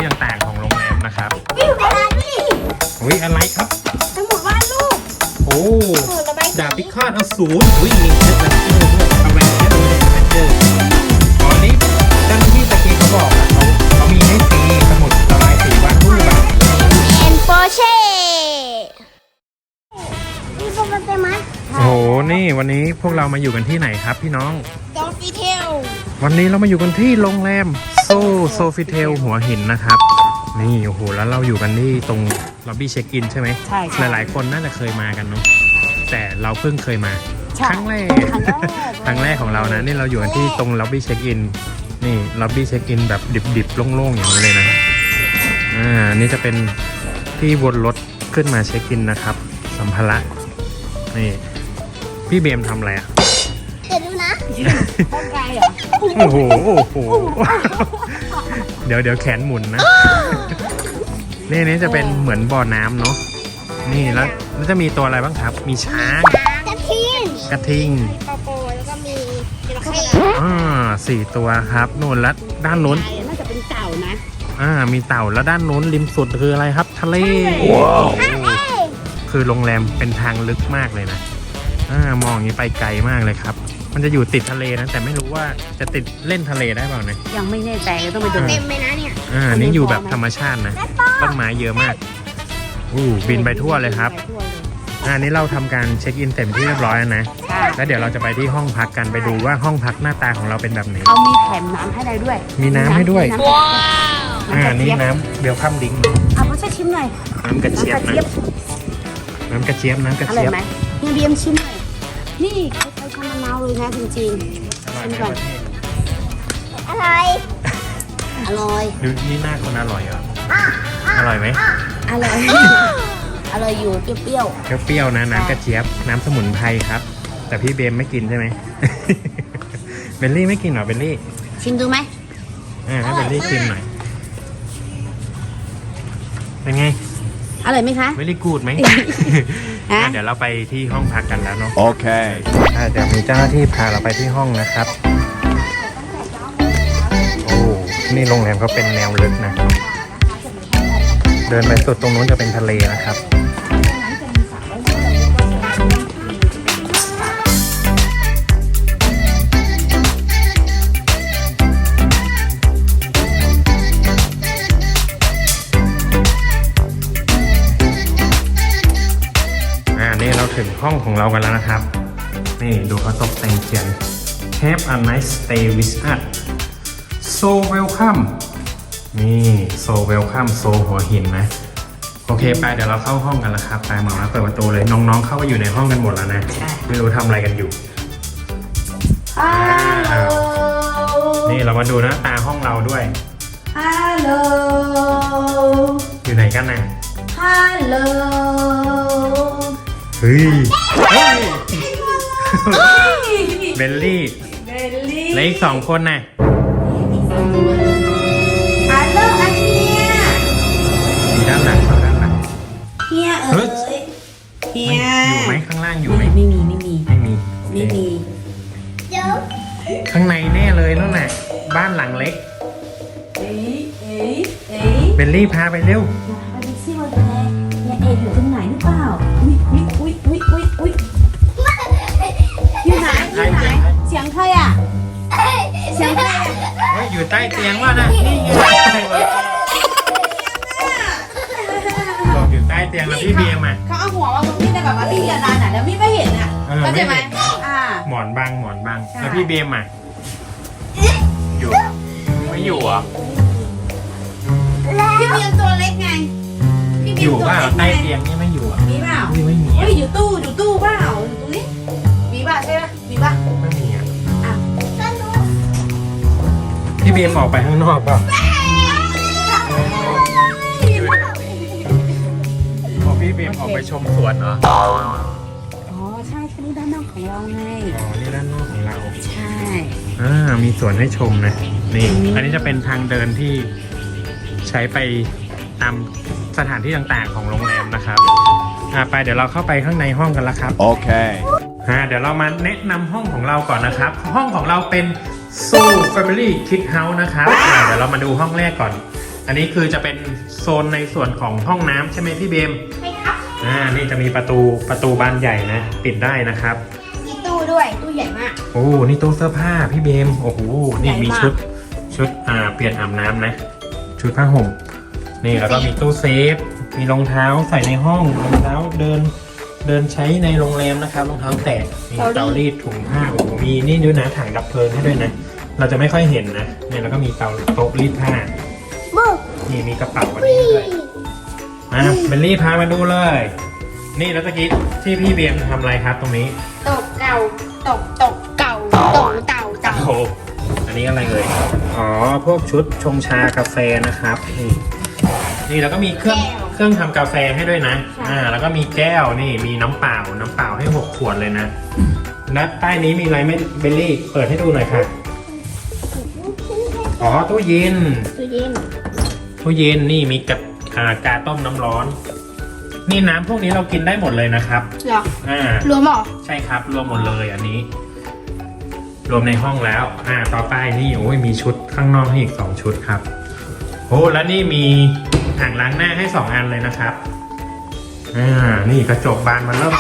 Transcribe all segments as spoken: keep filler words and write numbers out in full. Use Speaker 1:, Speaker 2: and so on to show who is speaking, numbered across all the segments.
Speaker 1: ที่ต่างๆของโรงแรมนะครับ
Speaker 2: วิวอะไรนี่
Speaker 1: อุ้ยอะไรครับ
Speaker 2: ทั้งหมดว่าลูก
Speaker 1: โอ้
Speaker 2: เออระบายสี
Speaker 1: ดาบพิฆาตอสูรอุ้ยมีเชือกแรนเจอร์ด้วยเอาแรนเจอร์เลยแรนเจอร์ตอนนี้เจ้าหน้าที่ตะกี้เขาบอกอะเขาเขามีให้ฟรีสมุดระบายสีวาดรูปแบบ
Speaker 2: แอนโปเช่มีโปรแกรมไหม
Speaker 1: โอ้โหนี่วันนี้พวกเรามาอยู่กันที่ไหนครับพี่น้อง
Speaker 2: ดอฟฟี่เทล
Speaker 1: วันนี้เรามาอยู่กันที่โรงแรมโซโซฟิเทลหัวหินนะครับนี่โอ้โหแล้วเราอยู่กันที่ตรงล็อบบี้เช็คอินใช่ไหม
Speaker 3: ใช่
Speaker 1: หลายๆคนน่าจะเคยมากันเนาะแต่เราเพิ่งเคยมาครั้งแรก ครั้งแรกของเรานะนี่เราอยู่กันที่ตรงล็อบบี้เช็คอินนี่ล็อบบี้เช็คอินแบบดิบๆโล่งๆอย่างนี้เลยนะอ่านี่จะเป็นที่วนรถขึ้นมาเช็คอินนะครับสัมภาระนี่พี่เบมทำอะไรอ่ะ
Speaker 2: เดี๋ยวดูนะ
Speaker 3: ร่างกายเหรอ
Speaker 1: โอ้โหโอ้โหเดี๋ยวเดี๋ยวแขนหมุนนะนี่นี่จะเป็นเหมือนบ่อน้ำเนาะนี่แล้วแล้วจะมีตัวอะไรบ้างครับ มีช้าง
Speaker 2: กระทิง
Speaker 1: กระทิง
Speaker 2: ปอโปแล้วก็มีจระเข้
Speaker 1: อ่าสี่ตัวครับนู่นแล้วด้านนู้น
Speaker 3: น่าจะเป็นเต่านะ
Speaker 1: อ่ามีเต่าแล้วด้านนู้นริมสุดคืออะไรครับ ทะเลว้าวคือโรงแรมเป็นทางลึกมากเลยนะอ่ามองอย่างนี้ไปไกลมากเลยครับ มันจะอยู่ติดทะเลนะแต่ไม่รู้ว่าจะติดเล่นทะเลได้เปล่านะ
Speaker 3: ยังไม่แน่ใจเลยต้องไปดู
Speaker 2: เต็มเลยนะเนี่ย
Speaker 1: อ่านี่อยู่แบบธรรมชาตินะต้นไม้เยอะมากอู้บินไปทั่วเลยครับ
Speaker 3: ไปทั่วเลย
Speaker 1: อ่านี้เราทำการเช็คอินเต็มที่เรียบร้อยแล้วนะ
Speaker 3: ใช่
Speaker 1: แล้วเดี๋ยวเราจะไปที่ห้องพักกันไปดูว่าห้องพักหน้าตาของเราเป็นแบบไหน
Speaker 3: เขามีแถมน้ำให้ได้ด้วย
Speaker 1: มีน้ำให้ด้วย
Speaker 3: น้ำ
Speaker 2: ว้าว
Speaker 1: อ่า
Speaker 3: น้ำกระ
Speaker 1: นี่
Speaker 3: เจี๊ยบ
Speaker 1: น้ำเบลคัมดิง
Speaker 3: เอามาช่วยชิมหน่อย
Speaker 1: น้ำกระเจี๊ยบ
Speaker 3: น้ำกระ
Speaker 1: นะ
Speaker 3: เจี๊ยบ
Speaker 1: น้ำกระเจี๊ยบน้ำกระ
Speaker 3: อร่อ
Speaker 1: เจี๊
Speaker 3: ย
Speaker 1: ยบ
Speaker 3: ไหมเฮียเบียมชิมหน่อยนี่คล้ายๆชามะนาวเลยนะจริง
Speaker 1: อร่อย
Speaker 3: ชิม
Speaker 1: ไหม
Speaker 3: ก่อน
Speaker 2: อะไร
Speaker 3: ๆ อร่อย
Speaker 1: ดูนี่หน้าคนอร่อยเหรออร่อยไหม
Speaker 3: อร่อย อร่อยอยู่เปรี้ยว
Speaker 1: เปรี้ยวๆนะน้ำกระเจี๊ยบน้ำสมุนไพรครับ แต่พี่เบมไม่กินใช่ไหม เบลลี่ไม่กินเหรอเบลลี่
Speaker 3: ๆชิมดูไหม
Speaker 1: อ่าให้เบลลี่ชิมหน่อยเป็นไง
Speaker 3: อร่อยไหมคะ
Speaker 1: เบลลี่กูดไหม
Speaker 3: ฮะ
Speaker 1: อ่ะเดี๋ยวเราไปที่ห้องพักกันแล้วเนาะ
Speaker 4: Okay.
Speaker 1: อ่ะเดี๋ยวมีเจ้าหน้าที่พาเราไปที่ห้องนะครับ โอ้นี่โรงแรมเขาเป็นแนวลึกนะ เดินไปสุดตรงนู้นจะเป็นทะเลนะครับ อ่านี่เราถึงห้องของเรากันแล้วนะครับ นี่ดูเขาตกแต่งเขียน Have a nice stay with us so welcome นี่ so welcome so หัวหินนะ โอเคไปเดี๋ยวเราเข้าห้องกันแล้วครับไปหมามาเปิดประตูเลยน้องๆเข้าไปอยู่ในห้องกันหมดแล้วนะ ไม่รู้ทำอะไรกันอยู่
Speaker 3: ฮัลโหล
Speaker 1: นี่เรามาดูหน้าตาห้องเราด้วย
Speaker 3: ฮัลโหล
Speaker 1: อยู่ไหนกันนะ
Speaker 3: ฮัลโหล
Speaker 1: เฮ้ยเฮ้ยเบลลี่
Speaker 3: เบลลี่
Speaker 1: และอีกสองคนน่ะ
Speaker 3: ฮัลโหลอันเฮีย
Speaker 1: มีด้านหลังเขาด้านหลัง
Speaker 3: เฮียเอ๋
Speaker 1: เฮ้ย
Speaker 3: ยเฮีย
Speaker 1: อยู่ไหมข้างล่างอยู่ไหม
Speaker 3: ไม่มีไม่มี
Speaker 1: ไม่มี
Speaker 3: ไม่มี
Speaker 2: เดี๋ยว
Speaker 1: ข้างในแน่เลยนั่นแหละบ้านหลังเล็ก
Speaker 3: เอ้ยเอ้ยเอ้ย
Speaker 1: เบลลี่พาไปเร็ว
Speaker 3: มาดูซิว่าเป็นไงเฮียเอ๋อยู่ตรงไหนหรือเปล่าอุ้ยอุ้ยอุ้ยอุ้ยอุ้ยอุ้ยอยู่ไหนอยู่ไหนเสียงใครอ่ะเสียงใครอ่ะ
Speaker 1: เฮ้ยอยู่ใต้เตียงว่ะนะนี่ไงบอกอยู่ใต้เตียงแล้วพี่เบียร์มา
Speaker 3: เขาเอาหัวมาตรงนี้แต่แบบว่าพี่กระดานอ่ะแล้วพี่ไม่เห็นอ่ะ
Speaker 1: เออ
Speaker 3: เข้าใจไหม
Speaker 1: ไม่เห็น
Speaker 3: อ่า
Speaker 1: หมอนบังหมอนบัง
Speaker 3: ใช่
Speaker 1: แล้วพี่เบียร์มาอยู่ไม่อยู่เหรอ่ะ
Speaker 3: พี่เบียมตัวเล็กไงพี่เบี
Speaker 1: อย
Speaker 3: ม
Speaker 1: ยู่
Speaker 3: ตัว
Speaker 1: ว่า
Speaker 3: เล็ก
Speaker 1: ใต้
Speaker 3: ไง
Speaker 1: เตียงนี่ไม่อยู่อ่ะ
Speaker 3: มีเปล่า
Speaker 1: นี่ไม่มี
Speaker 3: เฮ้ยอยู่ตู้อยู่ตู้เปล่าอยู่ตู้นี้มีป่ะใช่ป่ะมีป่ะ
Speaker 1: ไม่มีอ่ะ
Speaker 3: อ่ะ
Speaker 1: พี่เบียร์ออกไปข้างนอกเปล่าพอพี่เบียร์ออกไปชมสวนเหรออ๋อ
Speaker 3: อ๋อใช่แค่นี้ด้านนอกของเราไง
Speaker 1: นี่ด้านนอกของเรา
Speaker 3: ใช่
Speaker 1: อ่ามีสวนให้ชมนะนี่อันนี้จะเป็นทางเดินที่ใช้ไปตามสถานที่ต่างๆของโรงแรมนะครับอ่าไปเดี๋ยวเราเข้าไปข้างในห้องกันละครับ
Speaker 4: Okay.
Speaker 1: อ่าเดี๋ยวเรามาแนะนำห้องของเราก่อนนะครับ ห้องของเราเป็น Soul Family Kid House นะครับอ่าเดี๋ยวเรามาดูห้องแรกก่อนอันนี้คือจะเป็นโซนในส่วนของห้องน้ำใช่ไหมพี่เบม
Speaker 2: ใช่ครับ
Speaker 1: อ่า นี่จะมีประตูประตูบานใหญ่นะ ปิดได้นะครับ
Speaker 2: มีตู้ด้วยตู้ใหญ่มาก
Speaker 1: โอ้ นี่ตู้เสื้อผ้าพี่เบม โอ้โห นี่มีชุดชุดอ่าเปลี่ยนอาบน้ำนะ ชุดผ้าห่ม นี่แล้วก็มีตู้เซฟ มีรองเท้าใส่ในห้อง รองเท้าเดินเดินใช้ในโรงแรมนะครับ รองเท้าแตะมีเตารีดถุงผ้า โอ้โห มีนี่ด้วยนะถังดับเพลิงให้ด้วยนะ เราจะไม่ค่อยเห็นนะ เนี่ยแล้วก็มีเตาโต๊ะรีดผ้า
Speaker 2: บุ๊ก
Speaker 1: นี่มีกระเป๋าอันนี้ด้วยอ่ะเบลลี่พามาดูเลย นี่แล้วตะกี้ที่พี่เบียมทำอะไรครับตรงนี้
Speaker 2: ตกเก่าตกตกเก่าตกเต่าเต่า
Speaker 1: โอ้โหอันนี้อะไรเลย อ๋อ พวกชุดชงชากาแฟนะครับ นี่ นี่แล้วก็มีเครื่องเครื่องทำกาแฟให้ด้วยนะ อ่า แล้วก็มีแก้ว นี่ มีน้ำเปล่า น้ำเปล่าให้หกขวดเลยนะแล้วใต้นี้มีอะไรไหมเบลลี่ เปิดให้ดูหน่อยค่ะ อ๋อ ตู้เย็น
Speaker 2: ตู้เย็น
Speaker 1: ตู้เย็น นี่มีกะอ่ากาต้มน้ำร้อน นี่น้ำพวกนี้เรากินได้หมดเลยนะครับ
Speaker 2: เหรอ
Speaker 1: อ่า
Speaker 2: รวมเหรอ
Speaker 1: ใช่ครับ รวมหมดเลยอันนี้ รวมในห้องแล้ว อ่า ต่อไปนี่โอ้ยมีชุดข้างนอกให้อีกสองชุดครับ โอ้แล้วนี่มีอ่างล้างหน้าให้สองอันเลยนะครับ อ่า นี่กระจกบานมันเริ่ม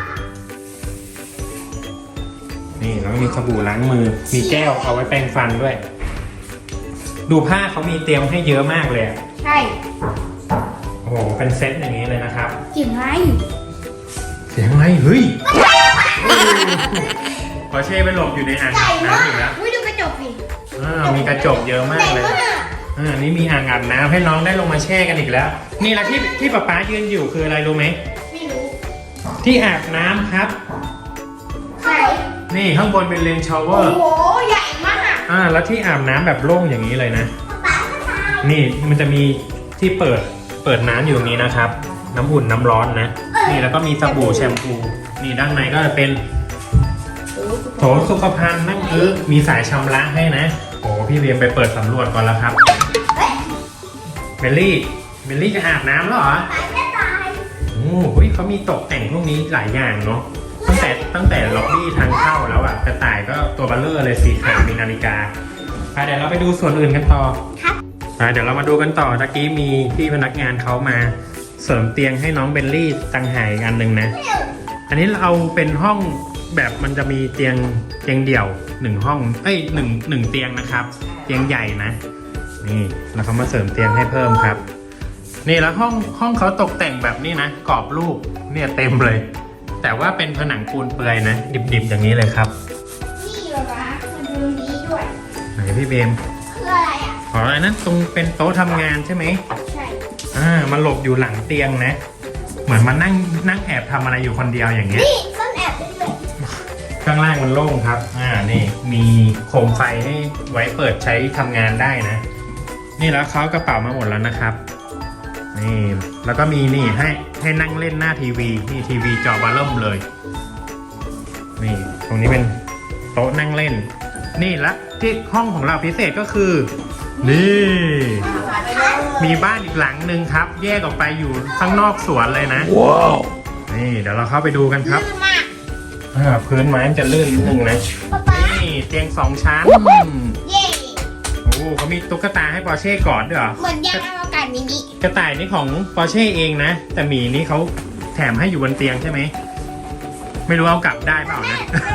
Speaker 1: นี่แล้วก็มีสบู่ล้างมือ มีแก้วเอาไว้แปรงฟันด้วย ดูผ้าเขามีเตรียมให้เยอะมากเลยอะ
Speaker 2: ใช่
Speaker 1: โอ้โห เป็นเซตอย่างนี้เลยนะครับ
Speaker 2: กลิ่นไร
Speaker 1: เสียงอะไร เฮ้ยพอเช่ไปหลบอยู่ในอ่างอาบน้ำอยู่แล้ว
Speaker 2: อุ้ยดูกระจกสิ
Speaker 1: อ่ามีกระจกเยอะมากเลย อ่า นี่มีอ่างอาบน้ำให้น้องได้ลงมาแช่กันอีกแล้ว นี่แล้วที่ที่ป๊าป๊ายืนอยู่คืออะไรรู้ไหม
Speaker 2: ไม่รู้
Speaker 1: ที่อาบน้ำครับ
Speaker 2: ใช่
Speaker 1: นี่ข้างบนเป็นเลนชาวเวอ
Speaker 2: โอ้
Speaker 1: ร์
Speaker 2: โหใหญ่มาก
Speaker 1: อ่า แล้วที่อาบน้ำแบบโล่งอย่างนี้เลยนะ นี่มันจะมีที่เปิด เปิดน้ำอยู่ตรงนี้นะครับ น้ำอุ่นน้ำร้อนนะ นี่แล้วก็มีสบู่แชมพู นี่ด้านในก็จะเป็นโถสุขภัณฑ์นั่งอึมีสายชำระให้นะ โอ้พี่เรียมไปเปิดสำรวจก่อนแล้วครับเบลลี่เบลลี่จะอาบน้ำแล้วเหรอโอ้โหเขามีตกแต่งพวกนี้หลายอย่างเนาะตั้งแต่ตั้งแต่ล็อบบี้ทางเข้าแล้วอะกระต่ายก็ตัวเบัลเลอร์เลยสีขาวมีนาฬิกาไปเดี๋ยวเราไปดูส่วนอื่นกันต่อ
Speaker 2: ครับ
Speaker 1: ไปเดี๋ยวเรามาดูกันต่อตะกี้มีพี่พนักงานเขามาเสริมเตียงให้น้องเบลลี่ตั้งหายอีกอันหนึ่งนะ อันนี้เราเป็นห้องแบบมันจะมีเตียงเตียงเดี่ยวหนึ่งห้องเอ้ยหนึ่งหนึ่งเตียงนะครับ เตียงใหญ่นะ นี่แล้วเขามาเสริมเตียงให้เพิ่มครับ นี่แล้วห้องห้องเขาตกแต่งแบบนี้นะกรอบรูปเนี่ยเต็มเลย แต่ว่าเป็นผนังปูนเปื่อยนะดิบๆอย่างนี้เลยครับ
Speaker 2: นี่เหรอวะมันดูนี้ด้วย
Speaker 1: ไหนพี่เบม
Speaker 2: คืออะไรอ่ะ
Speaker 1: อ๋ออันนั้นตรงเป็นโต๊ะทำงานใช่ไหม
Speaker 2: ใช่
Speaker 1: อ่ามาหลบอยู่หลังเตียงนะ เหมือนมานั่งนั่งแอบทำอะไรอยู่คนเดียวอย่างเงี้ย
Speaker 2: นี่ซ่อนแอบได้ด้วย
Speaker 1: ข้างล่างมันโล่งครับ อ่า นี่มีโคมไฟให้ไว้เปิดใช้ทำงานได้นะ นี่แล้วเขากระเป๋ามาหมดแล้วนะครับ นี่ แล้วก็มีนี่ให้ให้นั่งเล่นหน้าทีวี นี่ทีวีจอวาเริ่มเลย นี่ ตรงนี้เป็นโต๊ะนั่งเล่น นี่และที่ห้องของเราพิเศษก็คือ นี่ มีบ้านอีกหลังหนึ่งครับ แยกออกไปอยู่ข้างนอกสวนเลยนะ ว้าว นี่เดี๋ยวเราเข้าไปดูกันครับ
Speaker 2: ลื่นมาก
Speaker 1: อ่าพื้นไม้มันจะลื่นนิดนึงนะ
Speaker 2: ป๊าป๊า
Speaker 1: นี่เตียงสองชั้น
Speaker 2: เย่
Speaker 1: โอ้เขามีตุ๊กตาให้ปอร์เช่กอดด้วยเหรอ
Speaker 2: เหมือนยานอวกาศมินิ
Speaker 1: กระต่ายนี่ของปอร์เช่เองนะ แต่หมีนี่เขาแถมให้อยู่บนเตียงใช่ไหม ไม่รู้เอากลับได้เปล่านะ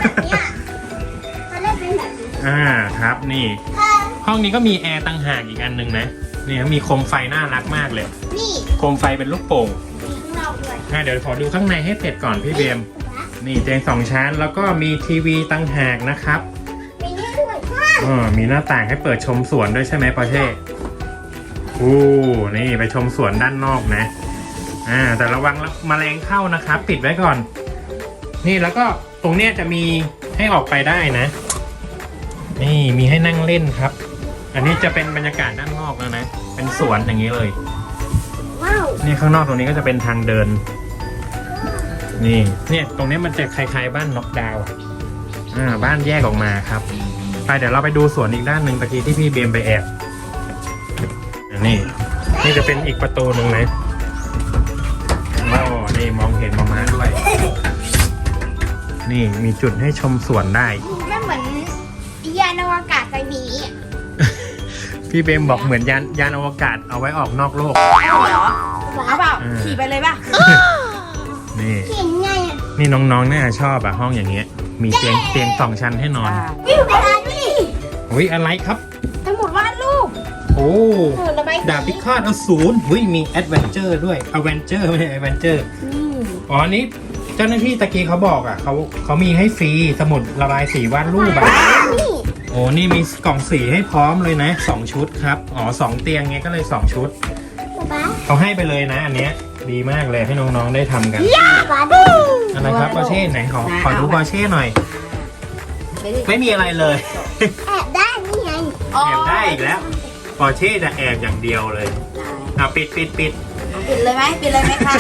Speaker 2: มันเล่นเป็นแบบนี้
Speaker 1: อ่าครับนี่ ห้องนี้ก็มีแอร์ต่างหากอีกอันหนึ่งนะนี่มีโคมไฟน่ารักมากเลย
Speaker 2: นี่
Speaker 1: โคมไฟเป็นลูกโป่ง
Speaker 2: มีข้างนอกด้วย
Speaker 1: อ่าเดี๋ยวขอดูข้างในให้เสร็จก่อนพี่เบม นี่เตียงสองชั้นแล้วก็มีทีวีต่างหากนะครับ
Speaker 2: มีนี่ด้วย
Speaker 1: อ๋อมีหน้าต่างให้เปิดชมสวนด้วยใช่ไหมปอร์เช่อู้นี่ไปชมสวนด้านนอกนะ อ่า แต่ระวังแมลงเข้านะครับ ปิดไว้ก่อน นี่แล้วก็ตรงเนี้ยจะมีให้ออกไปได้นะ นี่มีให้นั่งเล่นครับ อันนี้จะเป็นบรรยากาศด้านนอกแล้วนะ เป็นสวนอย่างนี้เลย
Speaker 2: ว้าว
Speaker 1: นี่ข้างนอกตรงนี้ก็จะเป็นทางเดิน นี่ เนี่ยตรงนี้มันจะคล้ายๆบ้านน็อกดาวน์อะอ่า บ้านแยกออกมาครับ ไปเดี๋ยวเราไปดูสวนอีกด้านหนึ่งตะกี้ที่พี่เบมไปแอบอันนี้ นี่จะเป็นอีกประตูหนึ่งนะโอ้นี่มองเห็นมาม้าด้วย นี่มีจุดให้ชมสวนได้
Speaker 2: มันเหมือนยานอวกาศไซมินิอะ
Speaker 1: พี่เบมบอกเหมือนยานยานอวกาศเอาไว้ออกนอกโลก
Speaker 3: เอาเหรอเอาเปล่า
Speaker 1: อ่า
Speaker 3: ขี่ไปเลยป่ะ
Speaker 1: นี่
Speaker 2: เขียนไงอ่ะ
Speaker 1: นี่น้องๆน่าจะชอบอะห้องอย่างเงี้ย มีเตียงเตียงสองชั้นให้นอน
Speaker 2: วิวกระดาษนี่
Speaker 1: อุ้ยอะไรครับ
Speaker 3: ทั้งหมดวาดรูป
Speaker 1: โอ้
Speaker 2: เออระบายสี
Speaker 1: ดาบพิฆาตอสูรอุ้ยมีแอดเวนเจอร์ด้วยอเวนเจอร์ไม่ใช่แอดเวนเจอร์
Speaker 3: อืม
Speaker 1: อ๋ออันนี้เจ้าหน้าที่ตะกี้เขาบอกอ่ะเขาเขามีให้ฟรีสมุดระบายสีวาดรูปอ่ะ
Speaker 2: นี่
Speaker 1: โอ้นี่มีกล่องสีให้พร้อมเลยนะสองชุดครับอ๋อสองเตียงเงี้ยก็เลยสองชุด
Speaker 2: ป๊า
Speaker 1: เขาให้ไปเลยนะ อันเนี้ยดีมากเลยให้น้องๆได้ทำกัน
Speaker 2: ป๊าดู
Speaker 1: อะไรครับปอร์เช่ไหนขอขอดูปอร์เช่หน่อย
Speaker 3: ไม่ได้
Speaker 1: ไม่มีอะไรเลย
Speaker 2: แอบได้นี่ไง
Speaker 3: อ๋อ
Speaker 1: แอบได้อีกแล้วปอร์เช่จะแอบอย่างเดียวเลยอ่ะปิดปิดปิด
Speaker 3: ปิดเลยไหมปิดเลยไหมคะ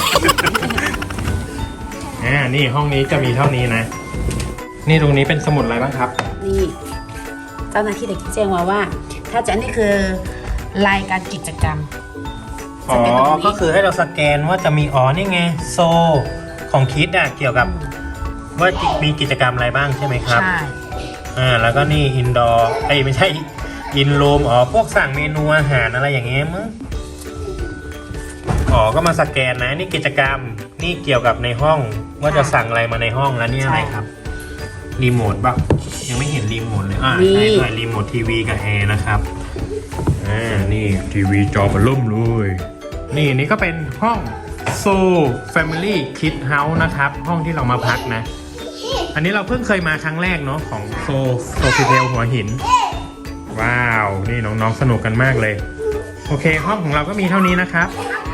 Speaker 1: อ่านี่ห้องนี้จะมีเท่านี้นะ นี่ตรงนี้เป็นสมุดอะไรบ้างครับ
Speaker 3: นี่เจ้าหน้าที่เด็กแจ้งมาว่า ถ้าจะนี่คือรายการกิจกรรม
Speaker 1: อ๋อ ก็คือให้เราสแกนว่าจะมีอ๋อนี่ไงโซของคิดอะเกี่ยวกับว่ามีกิจกรรมอะไรบ้างใช่ไหมครับ
Speaker 3: ใช่
Speaker 1: อ่าแล้วก็นี่อินดอร์ไอ้ยไม่ใช่อินรูมอ๋อพวกสั่งเมนูอาหารอะไรอย่างเงี้ยมั้งอ๋อก็มาสแกนนะนี่กิจกรรมนี่เกี่ยวกับในห้องว่าจะสั่งอะไรมาในห้องแล้วนี่อะไรครับรีโมทป่ะยังไม่เห็นรีโมทเลยอ่าใช่ด้วยรีโมททีวีกับแอร์นะครับอ่านี่ทีวีจอเบล่มเลยนี่นี่ก็เป็นห้องโซ Family Kid House นะครับห้องที่เรามาพักนะ อันนี้เราเพิ่งเคยมาครั้งแรกเนาะของโซโซฟิเทลหัวหิน ว้าว นี่น้องๆสนุกกันมากเลย โอเค ห้องของเราก็มีเท่านี้นะครับ
Speaker 2: ป